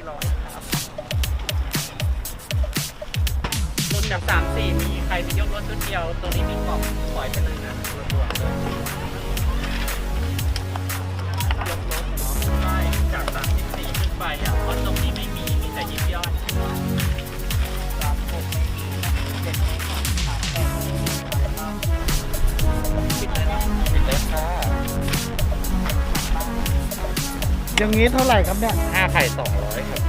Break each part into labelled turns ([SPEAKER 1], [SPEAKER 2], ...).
[SPEAKER 1] 400ครับรุ่นจาก3-4มีใครไปยกรถชุดเดียวตัวนี้มีกล่องปล่อยไปเลยนะรวมๆเลยยกรถเนาะใช่จาก34ขึ้นไปอ่ะเพราะตรงนี้ไม่มีแต่ยิบย่อย36ไม่มี7ไม่ขอ38ปิดเลยนะปิดเลยค่ะ
[SPEAKER 2] อย่างนี้เท่าไหร่ครับเนี่ย
[SPEAKER 1] 5 ไข่ 200 ครับ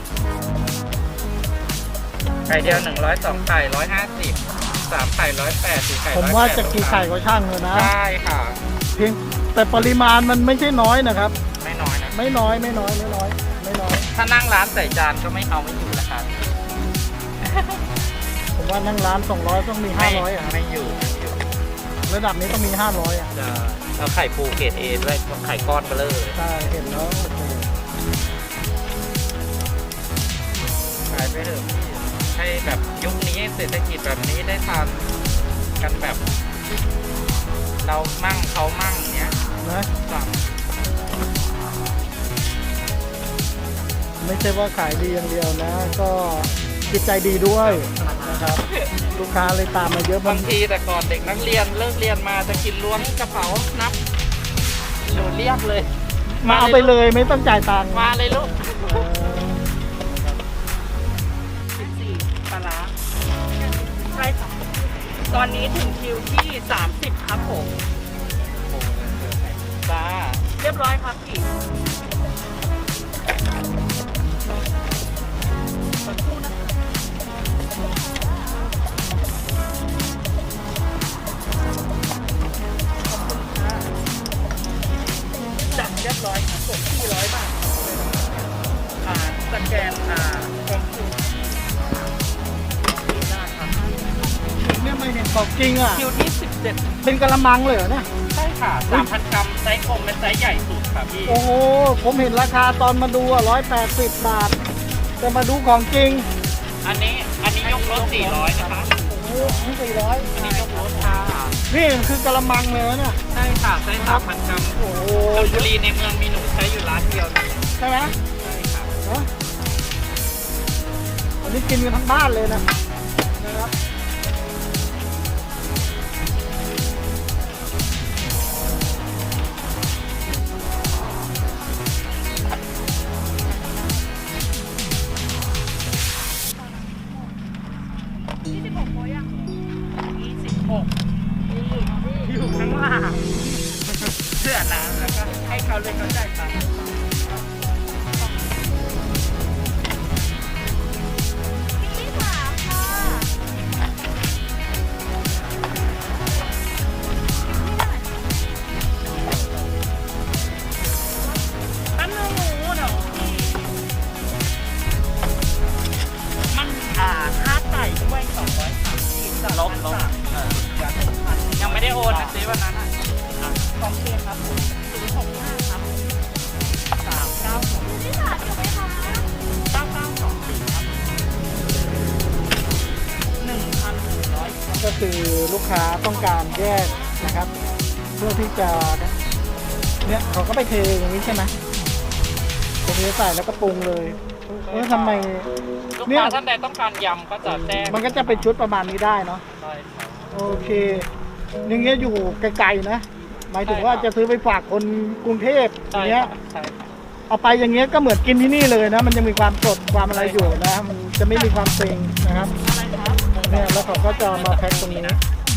[SPEAKER 1] ไข่เดียว100 2 ไข่ 150 3 ไข่ 180 4 ไข่
[SPEAKER 2] ผมว่าจะกี่ไข่ก็ช่างเลยนะ
[SPEAKER 1] ใช่ค่ะ
[SPEAKER 2] เพียงแต่ปริมาณมันไม่ใช่น้อยนะครับ
[SPEAKER 1] ไม่น้อยนะ
[SPEAKER 2] ไม่น้อย
[SPEAKER 1] ถ้านั่งร้านใส่จานก็ไม่เอาไม่อยู่ราคา
[SPEAKER 2] ผมว่านั่งร้าน200ต้องมี500อ่ะ
[SPEAKER 1] ไม่อยู่ไม่อยู่
[SPEAKER 2] ระดับนี้ต้องมี500อ่ะ
[SPEAKER 1] จะเอาไข่ปูเกรด A ด้วยไข่ก้อนเบลอเลย
[SPEAKER 2] ใช่เห็นแล้วโอเค
[SPEAKER 1] ขายไปเถอะพี่ให้แบบยุคนี้เศรษฐกิจแบบนี้ได้ทานกันแบบ เรามั่งเขามั่งเนี้ย
[SPEAKER 2] นะ
[SPEAKER 1] สั่ง
[SPEAKER 2] ไม่ใช่ว่าขายดีอย่างเดียวนะ ก็จิตใจดีด้วยนะครับ ลูกค้าเลยตามมาเยอะ
[SPEAKER 1] บางทีแต่ก่อนเด็กนักเรียนเลิกเรียนมาจะกินล้วงกระเป๋านับหนูเรียกเลย
[SPEAKER 2] มาเอาไปเลยไม่ต้องจ่ายตังค์
[SPEAKER 1] มาเลยลูก
[SPEAKER 2] เออ
[SPEAKER 1] 14ปลาร้าใช่ค่ะตอนนี้ถึงคิวที่30ครับผมจ้าเรียบร้อยครับพี่สักครู่นะคะจัดเรียบร้อยครับผม400 บาทสแกนของคิวได้ครับ
[SPEAKER 2] เนี่ยไม่เห็นของจริงอ่ะ
[SPEAKER 1] คิวที่17
[SPEAKER 2] เป็นกะละมังเลยเหรอเนี่ย
[SPEAKER 1] ใช่ค่ะ 3,000 กรัมไซส์กลมเป็นไซส์ใหญ่สุดค่ะพี่
[SPEAKER 2] โอ้โห ผมเห็นราคาตอนมาดู180 บาท แต่มาดูของจริง
[SPEAKER 1] อันนี้ยกรถ400นะคะ
[SPEAKER 2] โอ้โหนี่400
[SPEAKER 1] อันนี้ยกรถค่ะ
[SPEAKER 2] นี่คือกะละมังเลยนะเนี่ย
[SPEAKER 1] ใช่ค่ะไซส์3,000 กรัม
[SPEAKER 2] โอ้โห
[SPEAKER 1] ชลบุรีในเมืองมีหนูใช้อยู่ร้านเดียวนะ
[SPEAKER 2] ใช่ไหม
[SPEAKER 1] ใช่ค่ะ
[SPEAKER 2] ฮะอันนี้กินกันทั้งบ้านเลยนะครับ
[SPEAKER 1] 26โมยัง26อยู่ข้างล่างเสื้อน้ำแล้วก็ให้เขาเลยเขาจ่ายตังค์อันนู้นเนาะมันค่าไก่ด้วย230ลบยังไม่ได้โอนนะซิวันนั้นอ่ะของเพียครับ065ครับ392นี่ค่ะถูกไหมคะ9924ครับ1,100
[SPEAKER 2] ก็คือลูกค้าต้องการแยกนะครับ เพื่อที่จะเนี่ยเขาก็ไปเทอย่างนี้ใช่ไหมเทใส่แล้วก็ปรุงเลยทำไม
[SPEAKER 1] ลูก
[SPEAKER 2] เนี่ย
[SPEAKER 1] ค้าท่านใดต้องการยำก็จะแจ้ง
[SPEAKER 2] มันก็จะเป็นชุดประมาณนี้ได้เนาะ
[SPEAKER 1] ใช่ครับ
[SPEAKER 2] โอเคอย่างเงี้ยอยู่ไกลๆนะ หมายถึงว่าจะซื้อไปฝากคนกรุงเทพอ
[SPEAKER 1] ใช่
[SPEAKER 2] ย่างเงี้ย
[SPEAKER 1] ใช่ครับ
[SPEAKER 2] เอาไปอย่างเงี้ยก็เหมือนกินที่นี่เลยนะ มันยังมีความสดความอะไรอยู่นะ มันจะไม่มีความเซ็งนะครับ
[SPEAKER 1] อะไรครับ
[SPEAKER 2] เนี่ยแล้วเขาก็จะมาแพ็คตรงนี้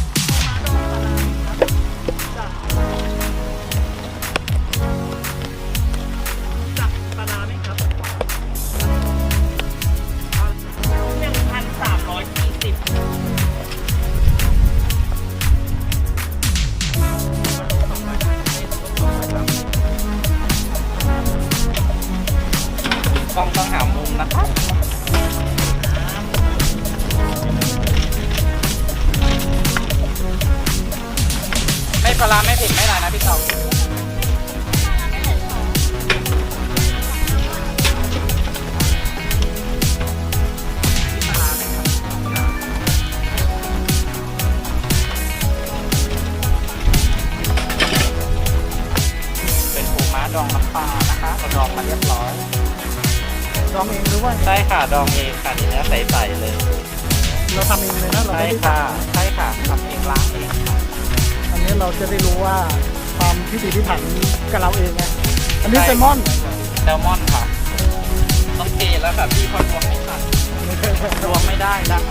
[SPEAKER 1] จับปลาร้าไหมครับ1,340กล้องต้องหามุมนะครับไม่ปลาร้าไม่เผ็ดไม่อะไรนะพี่ตองเป็นปูม้าดองน้ำปลานะคะเราดองมาเรียบร้อย
[SPEAKER 2] ดองเองหรือว่า
[SPEAKER 1] ใช่ค่ะดองเองค่ะเนื้อใสๆเลย
[SPEAKER 2] เราทำเองเลยนะเรา
[SPEAKER 1] ใช่
[SPEAKER 2] ไม่ได้
[SPEAKER 1] ค่ะ
[SPEAKER 2] สั่ง
[SPEAKER 1] ใช่ค่ะทำเองล้างเองค่ะ
[SPEAKER 2] อันนี้เราจะได้รู้ว่าความพิถีพิถันกับเราเองไงอันนี้แซลมอน
[SPEAKER 1] แซลมอนค่ะต้องเทแล้วค่ะพี่คนรวมไม่ทันรวมไม่ได้ละ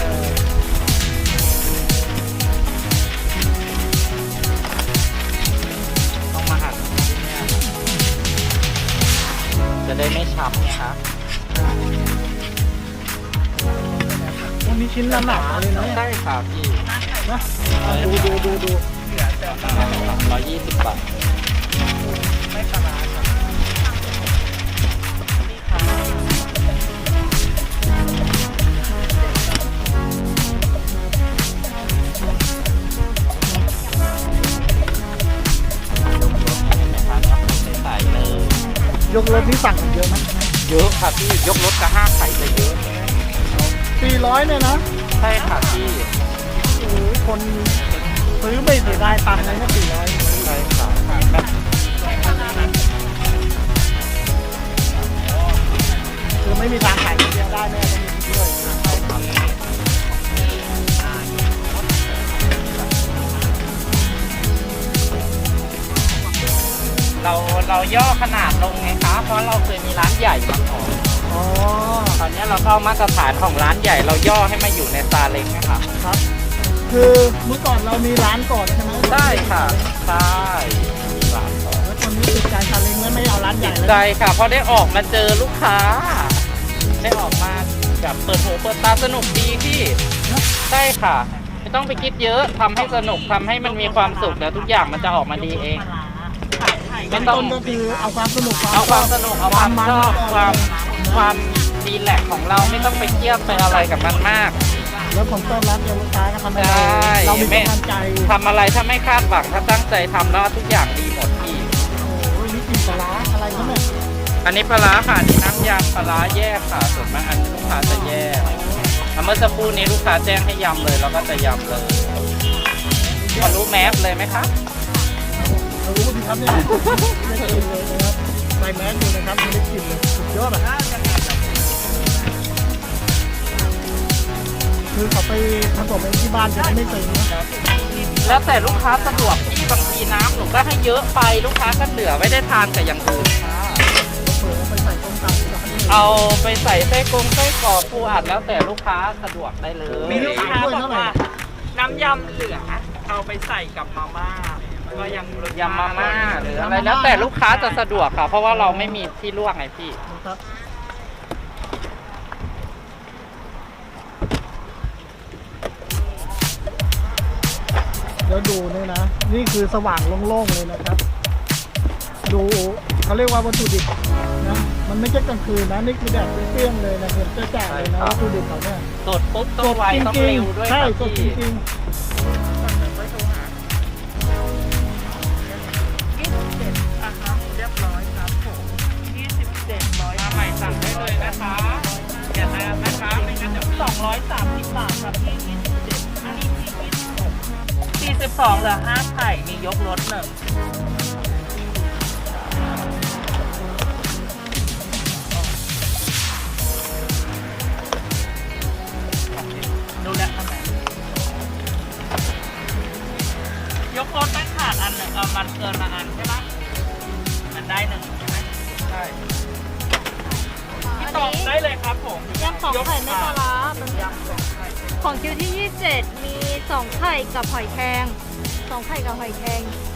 [SPEAKER 1] ต้องมาหั่นที่เนี่ยจะได้ไม่ช้ำไงคะ
[SPEAKER 2] วันนี้ชิ้นละหนาเลยนะเนี่ย
[SPEAKER 1] ใช่ค่ะพี่
[SPEAKER 2] นะดู
[SPEAKER 1] 120 บาทไม่ปลาร้าครับนี่ค่ะใส่เลย
[SPEAKER 2] ยกรถนี่สั่งกันเยอะไหม
[SPEAKER 1] เยอะค่ะพี่ยกรถกับ5 ไข่จะเยอะ
[SPEAKER 2] 400เนี่ยนะ
[SPEAKER 1] ใช่ค่ะพี่
[SPEAKER 2] โอ้โหคนซื้อไม่เสียดายตังค์เลยนะ400
[SPEAKER 1] ใช่ค่ะแบบ
[SPEAKER 2] คือไม่มีทางขายคนเดียวได้แน่ต้องมีด้วย
[SPEAKER 1] เราย่อขนาดลงไงคะเพราะเราเคยมีร้านใหญ่มาก่อน
[SPEAKER 2] อ๋อ
[SPEAKER 1] ตอนนี้เราเข้ามาตรฐานของร้านใหญ่เราย่อให้มาอยู่ในซาเล้งนะคะ
[SPEAKER 2] ครับ คือเมื่อก่อนเรามีร้านก่อนใช่ไหม
[SPEAKER 1] ใช่ค่ะใช่ร้านก่อน
[SPEAKER 2] แล้วคนนี้ติดใจซาเล้งแล้วไม่เอาร้านใหญ่เลย
[SPEAKER 1] ใจค่ะเพราะได้ออกมาเจอลูกค้า ได้ออกมาแบบเปิดหูเปิดตาสนุกดีพี่ใช่ค่ะไม่ต้องไปคิดเยอะทำให้สนุกทำให้มันมีความสุขแล้วทุกอย่างมันจะออกมาดีเองไม่
[SPEAKER 2] ต้น
[SPEAKER 1] ต้อง
[SPEAKER 2] ต้นก็คือเอาความสนุก
[SPEAKER 1] เอาความสนุกเอาความชอบความดีแลกซ์ของเราไม่ต้องไปเครียดไปอะไรกับมันมาก
[SPEAKER 2] แล้วผมต้อนรับลูกค้าก็ทำให้
[SPEAKER 1] ใช่
[SPEAKER 2] เรามีกำลังใจ
[SPEAKER 1] ทำอะไรถ้าไม่คาดหวังถ้าตั้งใจทำแล้วทุกอย่างดีหมดพี่
[SPEAKER 2] โอ้ยนี่กลิ่นปลาร้าอะไรครับเนี่ย
[SPEAKER 1] อันนี้ปลาร้าค่ะอันนี้น้ำยำปลาร้าแยกค่ะส่วนมากอันนี้ลูกค้าจะแยกเมื่อสักครู่นี้ลูกค้าแจ้งให้ยำเลยเราก็จะยำเลยพอรู้แมสเลยไหมคะ
[SPEAKER 2] เรารู้ดีครับเนี่ยไม่ได้กินเลยนะครับใส่แมสอยู่นะครับไม่ได้กินเลยสุดยอดอ่ะคือเขาไปผสมเองที่บ้านจะได้ไม่เซ็งนะ
[SPEAKER 1] แล้วแต่ลูกค้าสะดวกที่บางทีน้ำหนูก็ให้เยอะไปลูกค้าก็เหลือไม่ได้ทานกับอย่างอื่นค่ะ
[SPEAKER 2] เปิดไปใส่ต้มตำที่ร้านเลย
[SPEAKER 1] เอาไปใส่ไส้กรงไส้กรอกปูอัดแล้วแต่ลูกค้าสะดวกได้เลย
[SPEAKER 2] มีลูกค้าบอกว่า
[SPEAKER 1] น้ำยำเหลือเอาไปใส่กับมาม่าก็ยังยำมาม่าหรืออะไรแล้วแต่ลูกค้าจะสะดวกค่ะ เพราะว่าเราไม่มีที่ลวกไงพี่
[SPEAKER 2] ครับเดี๋ยวดูเนี่ยนะ นี่คือสว่างโล่งๆเลยนะครับ ดูเขาเรียกว่าวัตถุดิบนะมันไม่ใช่กลางคืนนะนี่คือแดดเปรี้ยงๆเลยนะเห็นจ้าๆเลยนะวัตถุดิบเขาเนี่ย
[SPEAKER 1] สดปุ๊บต้องไวต้องเร็วด้วย
[SPEAKER 2] ใช่
[SPEAKER 1] ค่ะ
[SPEAKER 2] สดจ
[SPEAKER 1] พี่
[SPEAKER 2] ริง
[SPEAKER 1] เรียบร้อยครับผม2700มาใหม่สั่งได้เลยนะคะอย่าลืมนะคะไม่งั้นเดี๋ยว230 บาทครับพี่27อันนี้ที่42เหลือ5 ไข่มียกรถหนึ่งดูแลทำไมยกรถไม่ขาดอันหนึ่งมันเกินมาอันใช่ไหมมันได้หนึ่งใช่ไหมใช่พี่ตอบได้เลยครับผม
[SPEAKER 3] ยำสองไข่ไม่ปลาร้าเป็น
[SPEAKER 1] ยำสองไข่
[SPEAKER 3] ของคิวที่ 27 มี2ไข่กับหอยแครง2ไข่กับหอยแครง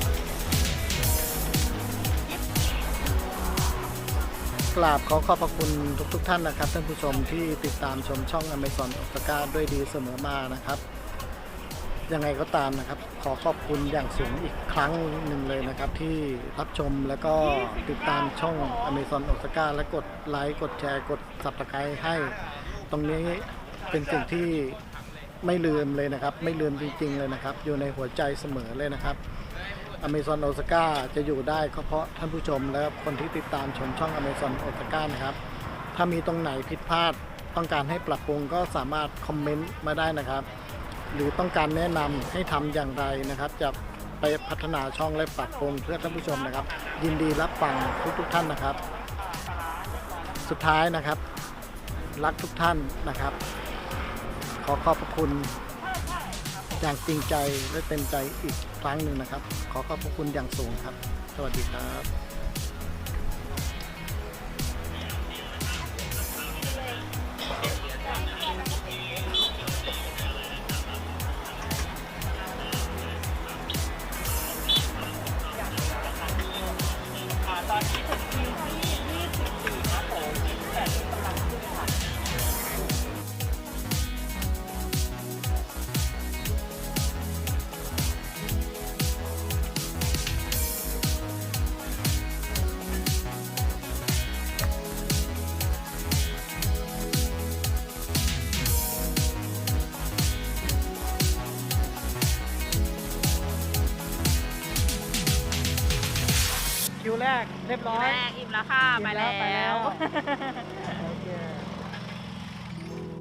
[SPEAKER 2] ๆกราบขอขอบพระคุณทุกท่านนะครับท่านผู้ชมที่ติดตามชมช่อง Amazon ออสการ์ด้วยดีเสมอมานะครับยังไงก็ตามนะครับขอขอบคุณอย่างสูงอีกครั้งหนึ่งเลยนะครับที่รับชมแล้วก็ติดตามช่อง Amazon ออสการ์และกดไลค์กดแชร์กด Subscribe ให้ตรงนี้เป็นสิ่งที่ไม่ลืมเลยนะครับไม่ลืมจริงๆเลยนะครับอยู่ในหัวใจเสมอเลยนะครับ Amazon ออสการ์จะอยู่ได้ก็เพราะท่านผู้ชมและคนที่ติดตามชมช่อง Amazon ออสการ์นะครับถ้ามีตรงไหนผิดพลาดต้องการให้ปรับปรุงก็สามารถคอมเมนต์มาได้นะครับหรือต้องการแนะนำให้ทำอย่างไรนะครับจะไปพัฒนาช่องและปรับปรุงเพื่อท่านผู้ชมนะครับยินดีรับฟังทุกท่านนะครับสุดท้ายนะครับ รักทุกท่านนะครับ ขอขอบพระคุณอย่างจริงใจและเต็มใจอีกครั้งหนึ่งนะครับ ขอขอบพระคุณอย่างสูงครับ สวัสดีครับ
[SPEAKER 1] ตอนนี้ถึงคิวที่24ครับผมแต่กำลังขึ้นค่ะ
[SPEAKER 2] คิวแรกเรียบร้อย
[SPEAKER 3] แรกอิ่มแล้วค่ะ
[SPEAKER 2] อิ่ม
[SPEAKER 3] ไป
[SPEAKER 2] แล้ว
[SPEAKER 3] แล้ว
[SPEAKER 2] ไปแล้ว